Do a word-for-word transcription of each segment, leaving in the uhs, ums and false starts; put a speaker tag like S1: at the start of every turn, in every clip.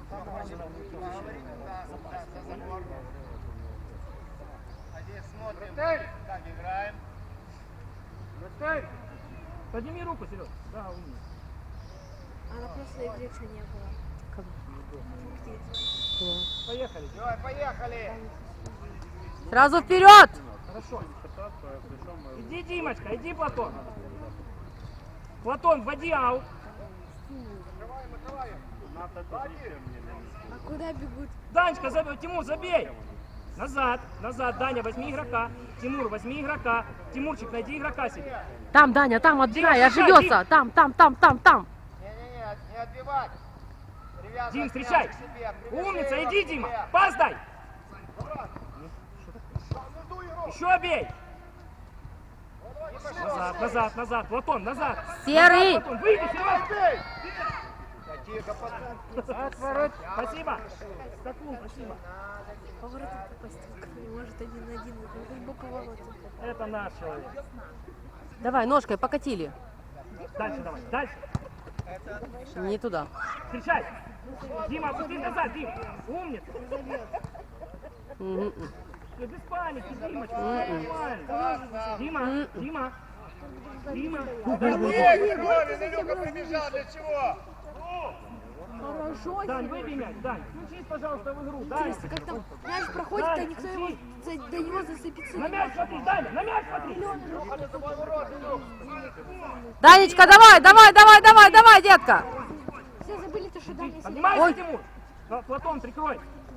S1: Смотрим, как играем.
S2: Подними руку, Серег. Да, умница.
S3: А на прошлой игре что не было?
S2: Поехали.
S1: Давай, поехали.
S4: Сразу вперед!
S2: Хорошо. Иди, Димочка, иди, Платон. Платон, вводи аут.
S3: А куда бегут?
S2: Данечка, забей, Тимур, забей. Назад, назад, Даня, возьми игрока. Тимур, возьми игрока. Тимурчик, найди игрока себе.
S4: Там, Даня, там отбирай,
S2: Дима,
S4: ошибется. Там, там, там, там, там.
S1: Не-не-не, не отбивать. Привязывать
S2: Дим, встречай.
S1: мяч к себе, прибежи
S2: Умница,
S1: его
S2: иди,
S1: к
S2: Дима.
S1: себе.
S2: Пас дай. Еще бей. Назад, назад, назад. Платон, назад.
S4: Серый.
S2: Назад, Платон, выйди, Серега.
S1: Тихо, пацан.
S2: Отворот. Спасибо. Стаклун, спасибо.
S3: Поворотом попасть не может один на один. Это либо поворотом.
S2: Это наш человек.
S4: Давай, ножкой покатили.
S2: Дальше давай, дальше.
S4: Не туда.
S2: Встречай. Дима, опусти назад, Дим. Умница.
S4: Мгм.
S2: Все, без паники, Димочка, все нормально. Дима, Дима. Дима.
S1: Эй, Ровин, Илюха прибежал, для чего?
S3: Хорошо.
S2: Дань, выбей мяч, Дань. Включись, пожалуйста, в игру. Дань.
S3: Интересно, как там мяч проходит, а никто его за, до него зацепиться
S2: На
S3: не
S2: мяч смотри, Даня, на мяч смотри.
S4: Данечка, давай, давай, давай, давай, давай, детка.
S3: Все забыли то, что Даня сидит.
S2: Поднимайся,
S4: Ой.
S2: Тимур. Пла- Платон, прикрой.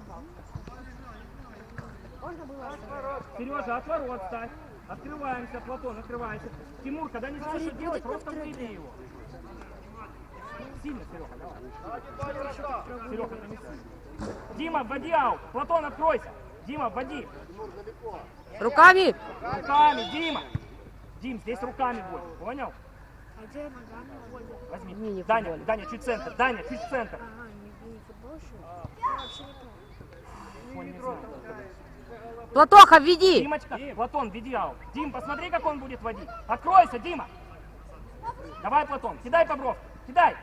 S3: Можно было оставить.
S2: Сережа, от ворот ставь. Открываемся, Платон, открывайся. Тимур, когда не знаешь, что делать, просто выбей его. Сильно, Серега, давай. Серега, это не сильно. Дима, вводи аут. Платон, откройся. Дима, вводи.
S4: Руками.
S2: Руками, Дима. Дим, здесь руками будет, понял?
S3: А где ногами вводят?
S2: Возьми.
S4: Мини-футбол.
S2: Даня, Даня, чуть центр. Даня, чуть центр.
S3: Ага, не, не футбол, что ли? Я вообще не понял.
S2: Он не знает.
S4: Платоха, введи.
S2: Димочка, Платон, веди аут. Дим, посмотри, как он будет водить. Откройся, Дима. Давай, Платон, кидай по бровке. Кидай.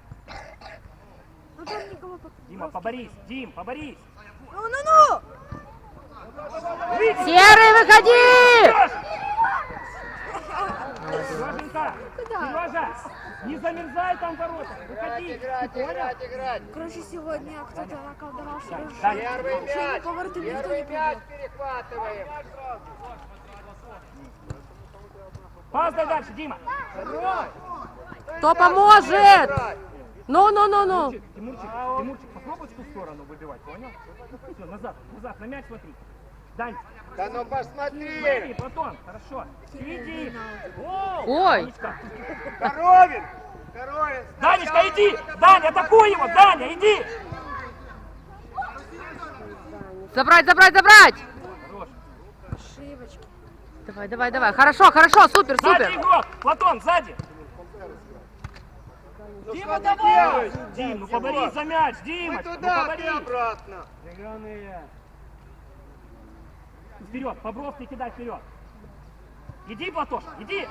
S3: Ну там никого по...
S2: Дима, поборись. Дим, поборись.
S3: Ну-ну-ну!
S4: Серый, выходи.
S2: Сереженька,
S3: Куда?
S2: Сережа, не замерзай там в воротах. Выходи.
S1: Играть,
S2: Ты понял?
S1: играть, играть.
S3: Короче, сегодня кто-то наколдовал, что
S2: Даня,
S1: Первый мяч.
S3: поворотом никто
S1: Первый
S3: не
S1: мяч
S3: пробил.
S1: перехватываем.
S2: Пас дай дальше, Дима.
S4: Кто поможет? Ну, ну, ну, ну.
S2: Тимурчик, Тимурчик, Тимурчик, попробуй в ту сторону выбивать, понял? Все, назад, назад, на мяч смотри. Дань,
S1: Да ну
S2: смотри,
S1: посмотри.
S2: Платон, хорошо. Иди.
S4: Ой.
S2: Данечка,
S1: Коровин. Коровин.
S2: Данечка, иди. Даня, атакуй его, Даня, иди.
S4: Забрать, забрать, забрать.
S2: Хорош.
S3: Ошибочки.
S4: Давай, давай, давай. Хорошо, хорошо, супер,
S2: Сзади
S4: супер.
S2: игрок, Платон, сзади.
S1: Ну
S2: Дима,
S1: что ты
S2: давай.
S1: делаешь?
S2: Дим, ну поборись за мяч,
S1: Мы
S2: Димочка, ну
S1: туда, ты
S2: поборись.
S1: обратно.
S2: Вперед, по бровке кидай вперед. Иди, Платош, иди.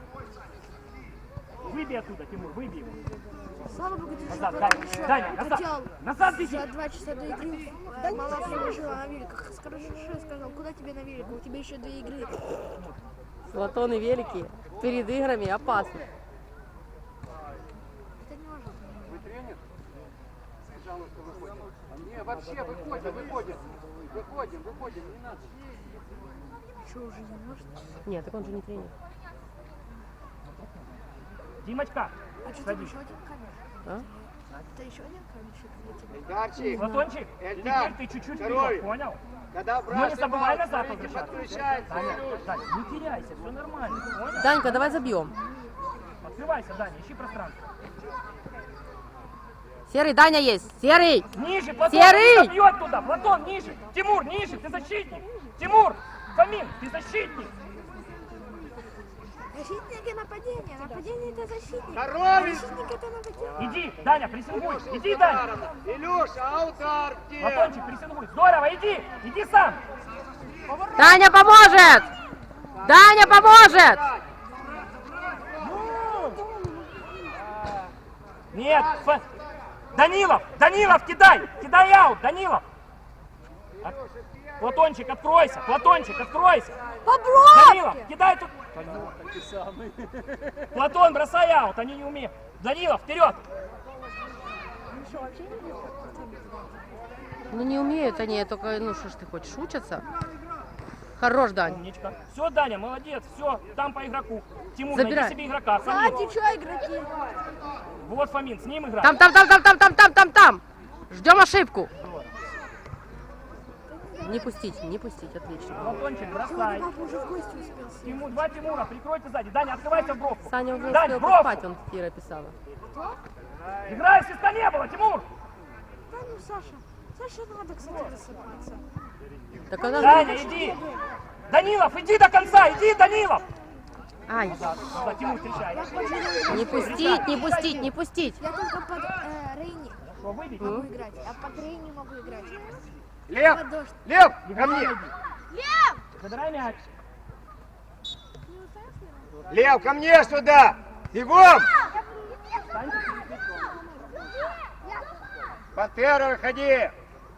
S2: Выбей оттуда, Тимур, выбей его.
S3: Слава богу, ты
S2: Назад,
S3: же
S2: Даня,
S3: еще
S2: Даня, назад.
S3: хотел
S2: Назад беги.
S3: за два часа до игры. Да мало положила на великах. Скажи, сказал, куда тебе на великах? У тебя еще две игры.
S4: Платоны великие. Перед играми опасно.
S3: Это не может быть.
S1: Вы тренер? Пожалуйста, выходим. Не, вообще, выходим, выходим. Выходим, выходим, не надо.
S3: Что, уже не может?
S4: Нет, так он же не тренер.
S2: Димочка,
S3: А что, там
S2: садись.
S3: еще один камень?
S4: А?
S3: Это еще один камешек для тебя?
S1: Эльдарчик,
S2: Платончик,
S1: Эльдар,
S2: теперь ты чуть-чуть
S1: второй.
S2: вперед, понял?
S1: когда
S2: Но не забывай
S1: бросим,
S2: назад
S1: смотрите,
S2: возвращаться.
S1: подключается.
S2: Даня,
S1: Илюш.
S2: Даня, не теряйся, все нормально, понял?
S4: Данька, давай забьем.
S2: Открывайся, Даня, ищи пространство.
S4: Серый, Даня есть. Серый.
S2: Ниже, Платон,
S4: Серый!
S2: не бьет туда, Платон, ниже. Тимур, ниже, ты защитник. Тимур, Фомин, ты защитник.
S3: Защитник и нападение. Нападение это защитник.
S1: Коровин!
S3: Защитник это нападение.
S2: Иди, Даня, прессингуй, иди, Даня.
S1: Илюша, а удар где?
S2: Платончик, прессингуй, здорово, иди, иди сам.
S4: Даня поможет. Даня поможет.
S2: Нет, Ф- Данилов, Данилов, кидай, кидай аут, Данилов. От- Платончик, откройся, Платончик, откройся. Данилов,
S3: Попробуй!
S2: кидай тут. Платон, бросай аут, они не умеют. Данилов, вперед.
S4: Ну не умеют они, только, ну что ж ты хочешь, учатся? Хорош, Дань.
S2: Умничка. Все, Даня, молодец, все, там по игроку. Тимур,
S4: Забирай.
S2: найди себе игрока.
S3: Сзади
S2: Фомин.
S3: что игроки?
S2: Вот Фомин, с ним играй.
S4: Там, там, там, там, там, там, там, там, там. Ждем ошибку. Не пустить, не пустить, отлично.
S2: Платончик, бросай.
S3: Папа уже в гости успел.
S2: Тимур, два Тимура, прикройте сзади. Даня, открывайся в бровку.
S4: Саня уже
S2: Дань,
S4: успел
S2: в бровку.
S4: поспать, он Кира писала.
S2: Играй, свиста не было, Тимур.
S3: Да ну, Саша. Саша, надо, кстати, рассыпаться.
S4: Так она
S2: Даня,
S4: же...
S2: иди. Данилов, иди до конца, иди, Данилов.
S4: Ай,
S2: Да, Тимур, встречай.
S4: не пустить, не пустить, не пустить.
S3: Я только под э, Рейни
S2: Что, выбить?
S3: могу играть, а под Рейни могу играть.
S1: Лев,
S3: Под дождь.
S1: Лев, ко мне.
S2: Забирай мяч.
S1: Лев, ко мне сюда. Бегом. Пантера, выходи.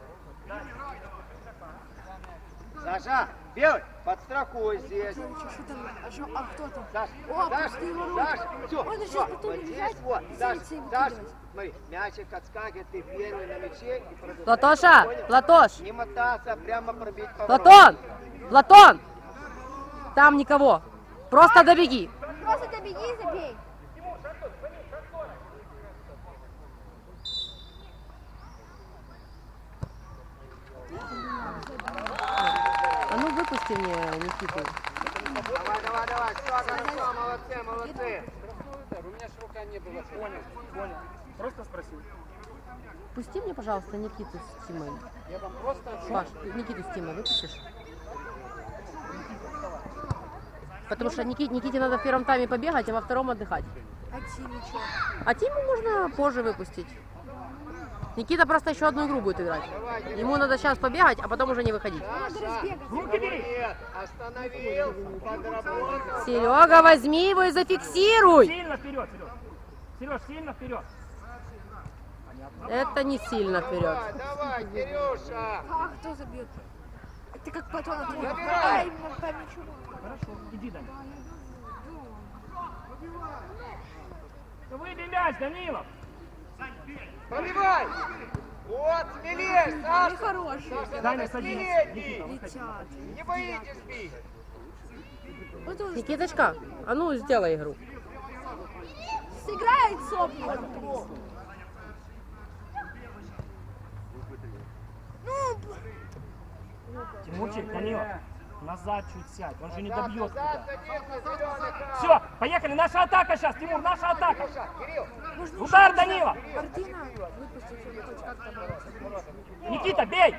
S1: Саша, белый, подстрахуй здесь.
S3: Что там? А, шо- а кто там?
S1: Саш,
S3: О,
S1: Саш,
S3: пустые ворота.
S1: Саш, все,
S3: Он же
S1: все,
S3: сейчас потом
S1: вот
S3: бежать,
S1: здесь вот,
S3: и
S1: Саш,
S3: зайти и
S1: Саш,
S3: выкидывать.
S1: смотри, мячик отскакивает, ты первый на мяче и продолжаешь.
S4: Платоша,
S1: Понял?
S4: Платош,
S1: Не мотаться, прямо пробить по
S4: Платон, Платон. Там никого. Просто добеги.
S3: Просто добеги и забей.
S4: А ну выпусти мне Никиту.
S1: Давай, давай, давай, все хорошо, молодцы, молодцы.
S2: У меня же рука не была. Понял, понял. Просто спросил.
S4: Пусти мне, пожалуйста, Никиту с Тимой.
S2: Я вам просто...
S4: Паш, Никиту с Тимой выпустишь? Потому что Ники- Никите надо в первом тайме побегать, а во втором отдыхать.
S3: А Тиме что?
S4: А Тиму можно позже выпустить. Никита просто еще одну игру будет играть. Ему надо сейчас побегать, а потом уже не выходить.
S3: Надо разбегаться.
S2: Руки бери.
S1: Нет, остановил, подработал.
S4: Серега, возьми его и зафиксируй.
S2: Сильно вперед, Сереж. Сереж, сильно вперед.
S4: Это не сильно вперед.
S1: Давай, давай, Кирюша.
S3: А кто забьет? Ты как потом ты не
S1: Забирай.
S3: А, именно по мячу.
S2: Хорошо, иди, Даня. Выбей мяч, Данилов.
S1: Пробивай. Вот, смелее,
S3: Ты
S1: Саша.
S3: хороший.
S1: Саша,
S2: Даня,
S1: надо
S2: садись.
S1: смелее
S2: Никита,
S1: бить.
S2: выходи.
S3: Летят.
S1: Не боитесь бить.
S3: Вот он
S4: Никиточка, а ну сделай игру.
S3: сыграет сопли. Ну,
S2: Тимурчик, Данилов, назад чуть сядь, он же не добьет
S1: Назад,
S2: тебя.
S1: садись на зеленый край.
S2: Все, поехали, наша атака сейчас, Тимур, наша атака.
S1: Кирюша, Кирилл.
S3: можно
S2: Удар,
S3: еще
S2: Данила.
S3: Артина выпустить, чтобы хоть как-то бороться.
S2: Никита, бей.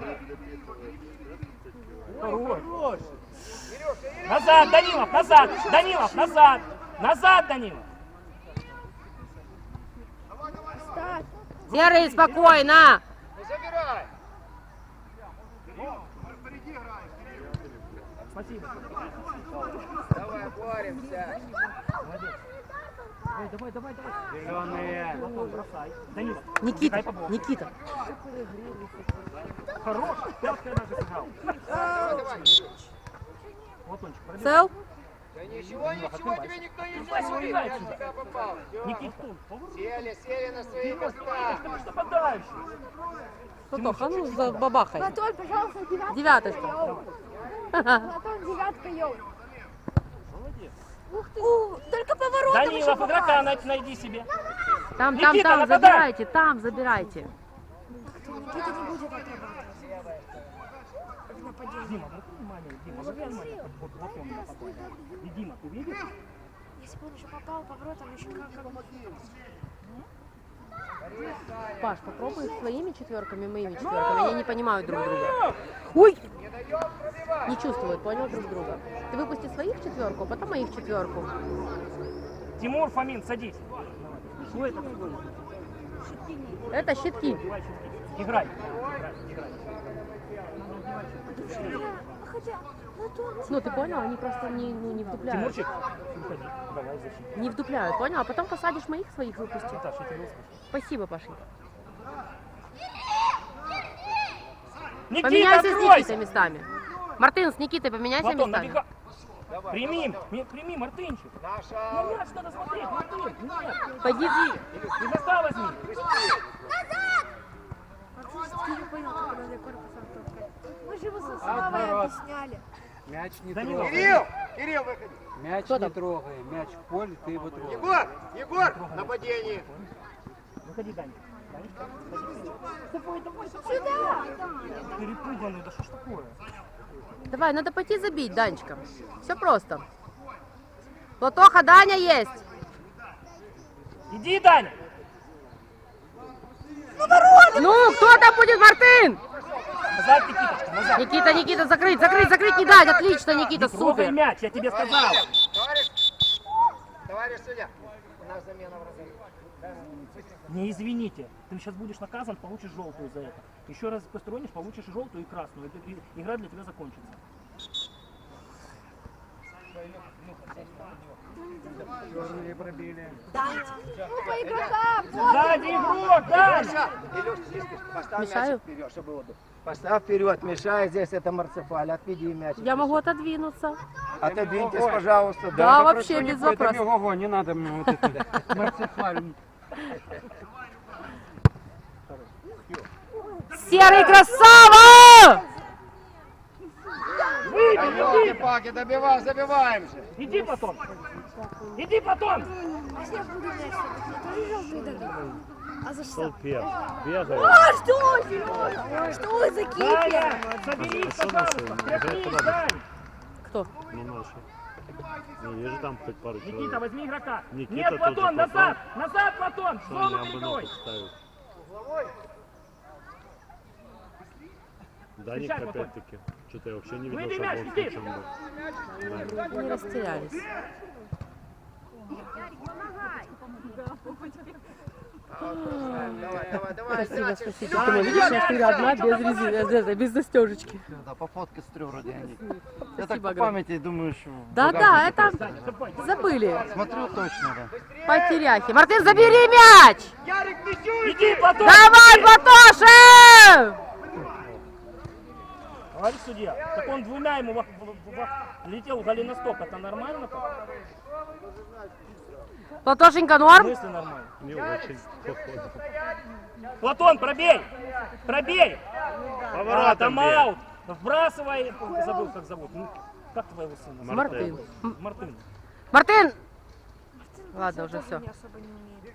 S2: Хорош. Назад, Данилов, назад, Данилов, назад, назад, Данилов.
S3: Ставь.
S4: Серый, спокойно.
S1: Ну, забирай.
S2: Спасибо.
S1: Давай, боремся.
S2: Молодец. Давай, давай, давай, давай.
S1: Зеленые.
S2: Платон, бросай. Данилов.
S4: Никита,
S2: бегай по блоку.
S4: Никита.
S2: Хорош. Пяткой даже сыграл.
S1: Давай, давай.
S2: Платончик, пробей.
S4: Цел?
S1: Да ничего, ничего, тебе никто не
S2: Давай,
S1: сделает.
S2: давай,
S1: Я
S2: сюда.
S1: тебя попал. Всё.
S2: Никита,
S1: Сели, сели на свои
S2: ты
S1: места.
S2: ж нападающий.
S4: Платох, а ну забабахай.
S3: Платон, пожалуйста, девятка.
S4: Девяточка.
S3: Йоу. Платон, девятка, йоу. Ух ты. У, только поворотом еще
S2: Данилов, игрока
S3: попасть.
S2: най- найди себе.
S4: Там, там,
S2: Никита,
S4: там,
S2: нападай.
S4: забирайте, там, забирайте.
S3: Никита не будет отрабатывать. Как нападение.
S2: Дима, обрати внимание, Дима, обрати внимание, как вот Платон нападает. И Дима, ты видишь?
S3: Если бы он еще попал поворотом, еще как... как...
S4: Паш, попробуй своими четверками, моими четверками. Они не понимают друг друга. Ой! Не чувствуют, понял, друг друга. Ты выпусти своих четверку, а потом моих четверку.
S2: Тимур, Фомин, садись. Что это такое?
S4: Это щитки.
S2: Убивай щитки. Играй. Играй, играй.
S3: Хотя, ну тут...
S4: Ну, ты понял? Они просто не, ну, не вдупляют.
S2: Тимурчик, уходи. Давай защитить.
S4: Не вдупляют, понял? А потом посадишь моих своих выпусти.
S2: Наташа, я тебя услышал.
S4: Спасибо, Пашенька.
S2: Никита,
S4: Поменяйся с
S2: откройся!
S4: Никитой местами. Мартын, с Никитой поменяйся
S2: Платон,
S4: местами.
S2: набегай. Прими, ми- прими, Мартынчик. Ну, мяч надо смотреть, Мартын. Нет.
S4: Пойди.
S2: И за ста возьми.
S3: Ты не понял, как надо корпусом толкать. Мы же его со
S1: Наоборот.
S3: Славой объясняли.
S1: Мяч не
S2: Данила,
S1: трогай.
S5: Кирилл! Кирилл, выходи!
S1: Мяч
S4: Кто
S1: не
S4: там?
S1: трогай. Мяч в поле, ты его трогаешь.
S5: Егор! Егор! Нападение!
S2: выходи, Даня. Данечка, выходи. Давай, давай, давай.
S3: Сюда!
S2: Перепуганный, да что ж такое?
S4: Давай, надо пойти забить, Данечка. Все просто. Платоха, Даня есть.
S2: Иди, Даня.
S4: Ну, кто там будет, Мартын?
S2: Назад, Никиточка, назад.
S4: Никита, Никита, закрыть, закрыть, закрыть, не дать. Отлично, Никита,
S2: Не трогай
S4: супер.
S2: мяч, я тебе сказал.
S5: Товарищ! Товарищ судья! У нас замена в разы.
S2: Не извините, ты сейчас будешь наказан, получишь желтую за это. Еще раз постронишь, получишь и желтую, и красную. Это и- игра для тебя закончится.
S1: Черные пробили.
S3: Ну, по игрокам!
S2: Сзади игрок, Даня!
S5: Миша! Илюш, здесь поставь
S4: Мешаю?
S5: мячик вперед, чтобы было. Поставь вперед, мешай, здесь это Марцефаль, отведи мячик.
S4: Я могу отодвинуться.
S5: Отодвиньтесь, пожалуйста.
S4: Да, вообще без
S1: Это
S4: вопросов.
S1: ого, не надо мне вот это. Марцефаль.
S4: Серый красава!
S2: Выйди,
S5: Да
S2: иди!
S5: елки-палки, добиваем, забиваем же.
S2: Иди, Платон! Иди, Платон!
S3: А если я буду мяч трогать, мне тоже желтый дадут? А за что?
S6: Бегает.
S3: А что, Сережа? Что вы за кипер?
S2: Даня, соберись, пожалуйста! Тряхнись, Дань!
S4: Кто?
S6: Ну, наши. Ну, есть же там хоть пару
S2: Никита,
S6: человек.
S2: возьми игрока!
S6: Никита
S2: Нет,
S6: тут
S2: Платон,
S6: же,
S2: назад! Назад, Платон! В
S6: Что
S2: зону
S6: я бы
S2: перекрой!
S6: ногу ставил? Даник
S2: Встречай, Платон.
S6: опять-таки. Что-то я вообще не видел,
S2: Выйди,
S6: что
S2: мяч,
S6: он
S2: иди.
S6: в чем был.
S4: Не растерялись.
S5: Давай, давай, давай.
S4: Спасибо,
S5: мячик.
S4: спасибо. Ты видишь, я всегда одна без резины, без застежечки.
S7: Да, по фотке стрю вроде они. Я так
S4: Спасибо
S7: по
S4: огромное.
S7: памяти думаю, что... в
S4: Да, да,
S7: багажнике
S4: это
S2: Даня, ступай.
S4: забыли.
S7: Смотрю точно, да.
S4: Потеряхи. Мартын, забери мяч!
S5: Ярик, Мисюй!
S2: Иди, Платон!
S4: Давай, Платоша!
S2: Товарищ судья, так он двумя ему во- во- во- летел голеностоп, это нормально? так?
S4: Платошенька,
S2: В
S4: норм?
S2: смысле нормально?
S6: Не очень похоже.
S2: Платон, пробей! Пробей! А,
S6: Поворотом
S2: тайм-аут! Вбрасывай, забыл, как зовут. Ну, как твоего сына?
S4: Мартын.
S2: Мартын.
S4: Мартын! Ладно, уже все.
S3: Не особо не умеет.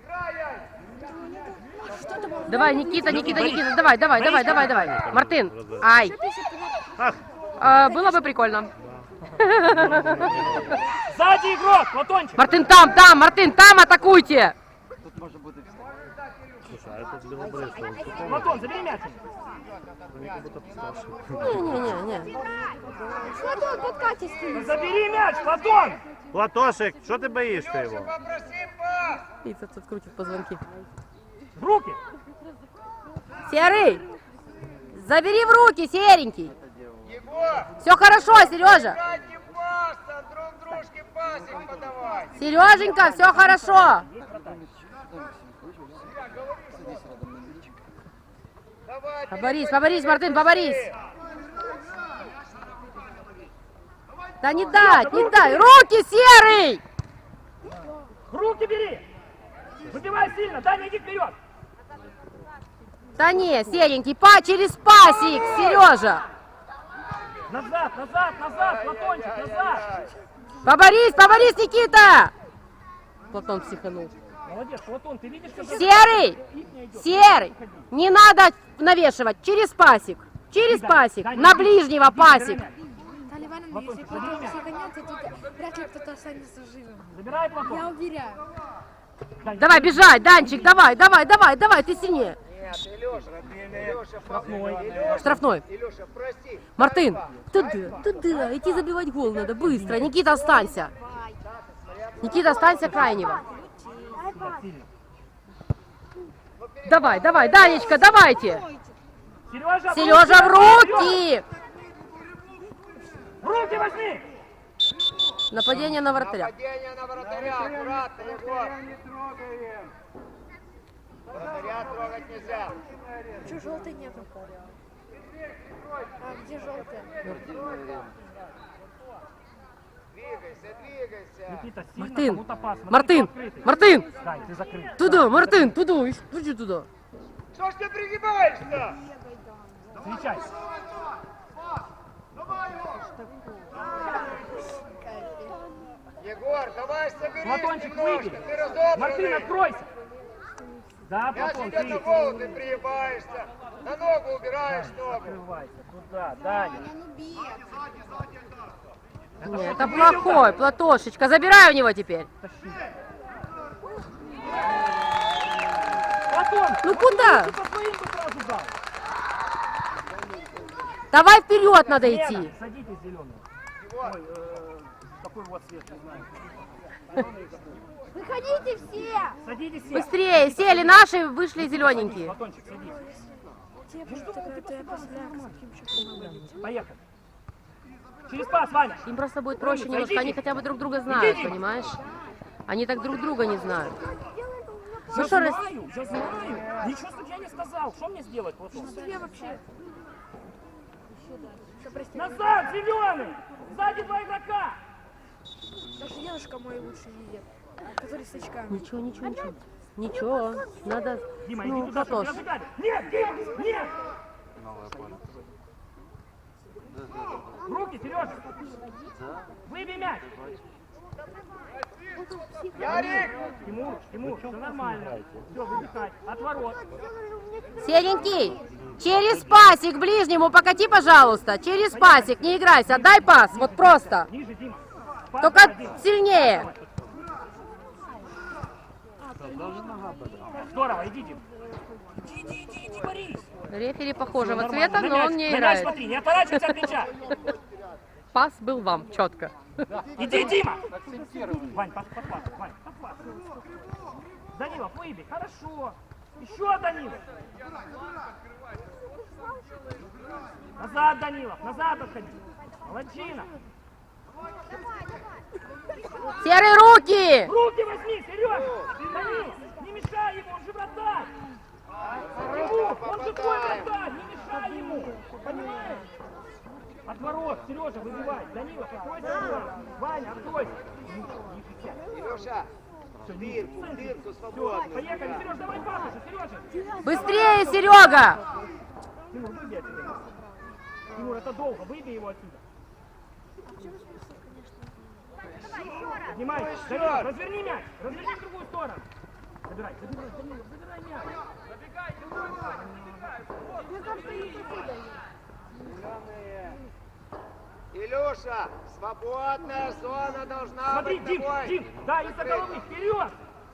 S3: Что ты можешь?
S4: Давай, Никита, Никита, Никита, давай, давай, давай, давай, давай. Мартын, ай. А, было бы прикольно.
S2: Сзади игрок, Платончик!
S4: Мартын там, там, Мартын там, атакуйте!
S7: Тут может быть и все.
S6: Слушай, а этот белобрысый, он что
S2: Платон, забери мяч!
S6: они как будто постарше.
S4: Не-не-не.
S3: Платон, подкатись ты.
S2: Забери мяч, Платон!
S6: Платошек, что ты боишься его?
S5: Попроси пас!
S4: Пицца тут крутит позвонки.
S2: В руки!
S4: Серый! Забери в руки, серенький!
S5: Егор!
S4: Все хорошо, Сережа!
S5: Дайте пас, а друг дружке пасик подавай!
S4: Сереженька, все хорошо!
S5: Давай,
S4: Поборись, поборись, Мартын, поборись! Да не дать, не дай! Руки, Серый!
S2: В руки бери! Выбивай сильно, Даня, иди вперед!
S4: Да не, серенький, па через пасик, Сережа!
S2: Назад, назад, назад, Платончик, назад!
S4: Поборись, поборись, Никита! Платон психанул.
S2: Молодец, Платон, ты видишь, как
S4: Серый!
S2: не идет?
S4: Серый! Не надо навешивать, через пасик! Через пасик! На ближнего пасик!
S3: Талия Ивановна, если Платон психанется, то вряд ли кто-то останется живым.
S2: Забирай,
S3: Я
S2: Платон!
S3: уверяю.
S2: Дань,
S4: Давай, бежать, Данчик, давай, давай, давай, давай, ты сильнее!
S5: Нет, Илюша, Илюша,
S2: Штрафной.
S5: Илюша,
S4: Штрафной.
S5: Илюша, прости.
S4: Мартын, туда, туда, идти забивать гол надо, быстро. Никита, останься. Никита, останься крайнего.
S2: сюда, сильно.
S4: Давай, давай, Данечка, давайте.
S2: Сережа,
S4: Сережа, в руки!
S2: В руки возьми!
S4: Нападение на вратаря.
S5: Нападение на вратаря, аккуратно, Егор.
S1: Не трогаем.
S5: Вратаря трогать нельзя.
S3: Че, желтой нету? А, где желтая?
S5: Двигайся, двигайся.
S2: Никита, сильно
S4: Мартин,
S2: кому-то пас. Смотри,
S4: Мартин,
S2: кто открытый.
S4: Мартин,
S2: Дань, ты закрыт.
S4: туда, Мартин, туда, иди туда.
S5: Что ж ты пригибаешься?
S2: Встречай.
S5: Егор, давай соберись
S2: Платончик,
S5: немножко,
S2: выбери.
S5: ты разобранный.
S2: Мартин, откройся. Да,
S5: Мяч
S2: Платон,
S5: идет
S2: ты.
S5: на голову, ты пригибаешься. На ногу убираешь ногу.
S2: Открывайся. Туда, Даня.
S4: Нет, это плохой, Платошечка, забирай у него теперь.
S2: Платон,
S4: Ну куда?
S2: ты по своим бы сразу дал.
S4: Давай вперед надо
S2: Лена,
S4: идти.
S2: садитесь зеленый. Ой, э, какой у вас цвет, не знаю.
S3: Выходите все!
S2: Садитесь все.
S4: Быстрее, сели наши, вышли зелененькие.
S2: Платончик, садись.
S3: Тебе такая ты опосля с таким чеком.
S2: Поехали. Через пас, Ваня.
S4: Им просто будет проще немножко, они хотя бы друг друга знают, понимаешь? Они так друг друга не знают.
S2: Я
S4: Ну что, раз-
S2: знаю, я знаю. Ничего судья не сказал. Что мне сделать, Платон?
S3: Что я вообще? Что, прости,
S2: Назад, зеленый! Сзади два игрока!
S3: даже дедушка мой лучше видит, который с очками.
S4: Ничего, ничего, ничего. Ничего, надо,
S2: Дима, иди
S4: ну,
S2: туда, чтобы
S4: Платош.
S2: не разыграли. Нет, Дима, нет! В руки, Сережа! Выбей мяч!
S5: Ярик!
S2: Тимур, Тимур, все нормально. Все, выдыхай. От ворот.
S4: Серенький, через пасик ближнему покати, пожалуйста. Через пасик, не играйся, отдай пас, вот просто.
S2: Ниже, Дима. Пас
S4: Только
S2: давай, Дима.
S4: сильнее.
S2: Здорово, иди, Дим. Иди, иди, иди, иди, Борис.
S4: Рефери похожего
S2: Всё,
S4: цвета,
S2: нормально.
S4: но
S2: На
S4: он
S2: мяч,
S4: не
S2: на мяч
S4: играет.
S2: смотри, не отворачивайся от мяча.
S4: Пас был вам, четко.
S2: Иди, Дима. Вань, пас, пас, пас, Вань, пас, пас. Данилов, выбей, хорошо. Еще Данилов. Назад, Данилов, назад отходи. Молодчина.
S4: Серые руки!
S2: Руки возьми, Сережа! Данил, не мешай ему, он же вратарь! Ему, он же твой вратарь, не мешай ему! Понимаешь? От ворот, Сережа, выбивай! Данилов, откройся! скоро. Ваня, откройся!
S5: Илюша, дырку, дырку
S2: Все,
S5: свободную.
S2: поехали, Сереж, давай пас уже, Сережа!
S4: Быстрее, Серега!
S2: Тимур, выбей отсюда. Тимур, это долго, выбей его отсюда. Поднимай, Данилов, разверни мяч, разверни в другую сторону. Забирай, забирай, Данилов, забирай мяч.
S5: Илюша, свободная зона должна
S2: Смотри,
S5: быть
S2: Дим,
S5: тобой.
S2: Дим, да, из-за головы, вперед!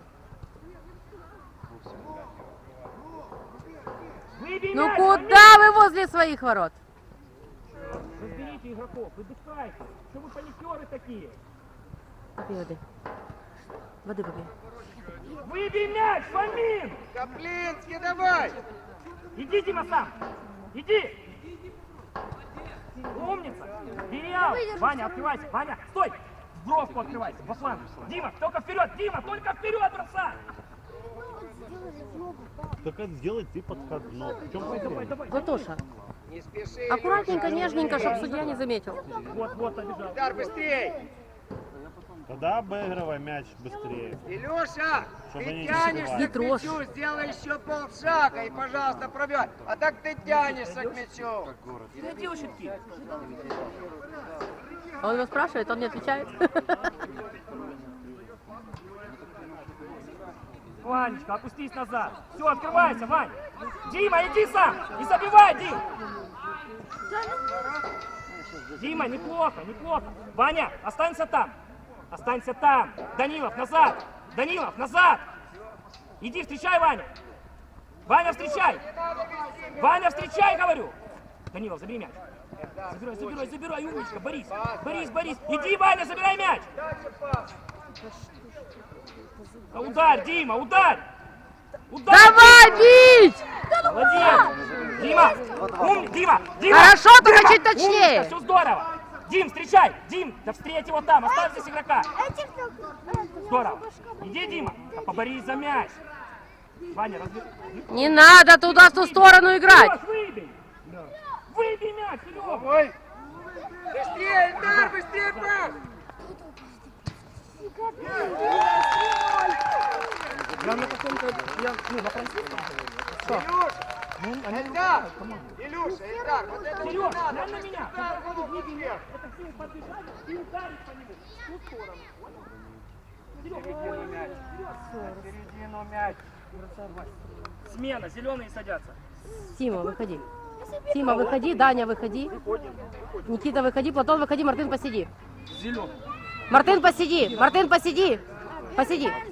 S2: Выбей
S4: Ну
S2: мяч,
S4: куда вы возле своих ворот?
S2: разберите игроков, выдыхайте. Что вы паникеры такие?
S4: Попей воды. Воды попей.
S2: Выбей мяч, Фомин!
S5: Каплинский, давай!
S2: Иди, Дима, сам! Иди! Умница! Переал! Ваня, открывайся! Ваня, стой! В бровку открывайся, во фланг! Дима, только вперед! Дима, только вперед, бросай!
S6: Так как сделать ты подходной? В чем
S2: Давай,
S6: проблема?
S2: давай!
S4: Платоша,
S5: Не спеши,
S4: аккуратненько,
S5: Илюша.
S4: нежненько, чтобы судья не заметил.
S2: Вот, вот, побежал.
S5: Удар быстрей!
S6: Тогда обыгрывай мяч быстрее.
S5: Илюша,
S6: Чтобы
S5: ты
S6: они не
S5: тянешься
S4: Не
S5: к
S4: трожь.
S5: мячу, сделай еще полшага и, пожалуйста, пробивай. А так ты тянешься к мячу.
S2: Ты делай щитки.
S4: А он его спрашивает, он не отвечает.
S2: Ванечка, опустись назад. Все, открывайся, Вань. Дима, иди сам. Не забивай, Дим. Дима, неплохо, неплохо. Ваня, останься там. Останься там. Данилов, назад. Данилов, назад. Иди, встречай, Ваня. Ваня, встречай. Ваня, встречай, говорю. Данилов, забери мяч. Забирай, забирай, забирай, умничка. Борис, Борис, Борис. Иди, Ваня, забирай мяч. Да ударь, Дима, ударь. Ударь.
S4: Давай, бей!
S2: Дима! Ум, Дима! Дима!
S4: Хорошо, только
S2: Дима!
S4: чуть точнее.
S2: Все здорово! Дим, встречай! Дим, да встреть его там, оставь здесь игрока! Здорово! Иди, Дима! Да поборись за мяч! Ваня, разви...
S4: Не надо туда, в ту сторону играть.
S2: Серёж, выбей! Выбей мяч, Серега!
S1: Ой! Быстрее, Эльдар, быстрее, пас!
S2: Я на каком-то... Я, ну, на французском. Что?
S1: Илюш! Эльдар! Илюша, Эльдар, вот это вот не
S2: Сереж,
S1: надо!
S2: глянь на меня!
S1: Эльдар, вот
S2: Выбей мяч!
S1: вверх.
S2: Это все подбежать и ударить по нему. В ту сторону. Понял?
S1: Середину мяч. Середину мяч.
S2: Смена, зеленые садятся.
S4: Тима, выходи. Тима, выходи. Даня, выходи. Никита, выходи. Платон, выходи. Мартын, посиди.
S2: Зеленый.
S4: Мартын, посиди. Мартын, посиди. Посиди.